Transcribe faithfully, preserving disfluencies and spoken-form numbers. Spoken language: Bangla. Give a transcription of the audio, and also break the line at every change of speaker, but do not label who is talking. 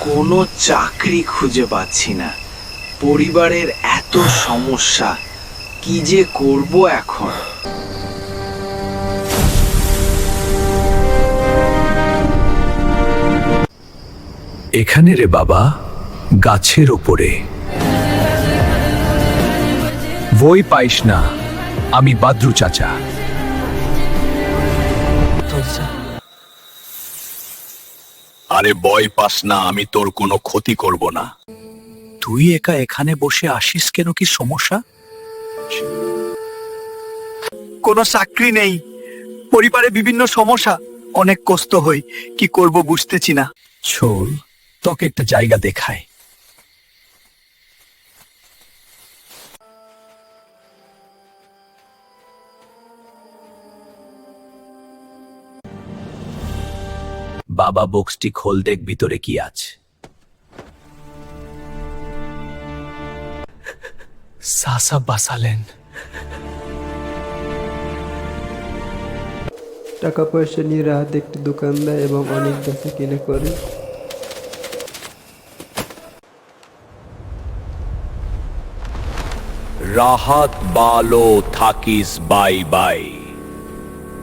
কোনো চাকরি খুঁজে পাচ্ছি না, পরিবারের এত সমস্যা, কি যে করব এখন।
এখানে রে বাবা, গাছের ওপরে। বই পাইস না, আমি বাদ্রু চাচা। আরে ভয় পাস না, আমি তোর কোনো ক্ষতি করব না। তুই একা এখানে বসে আসিস কেন, কি সমস্যা?
কোনো চাকরি নেই, পরিবারে বিভিন্ন সমস্যা, অনেক কষ্ট হই, কি করব বুঝতেছি না।
চল তোকে একটা জায়গা দেখায়। বাবা বক্সটি খোল, দেখ ভিতরে কি আছে। সাসা বাসালেন।
টাকা পয়সা নিয়ে রাহাত একটি দোকান দেয় এবং অনেক বেচা কিনে করে।
রাহাত বালো থাকিস, বাই বাই।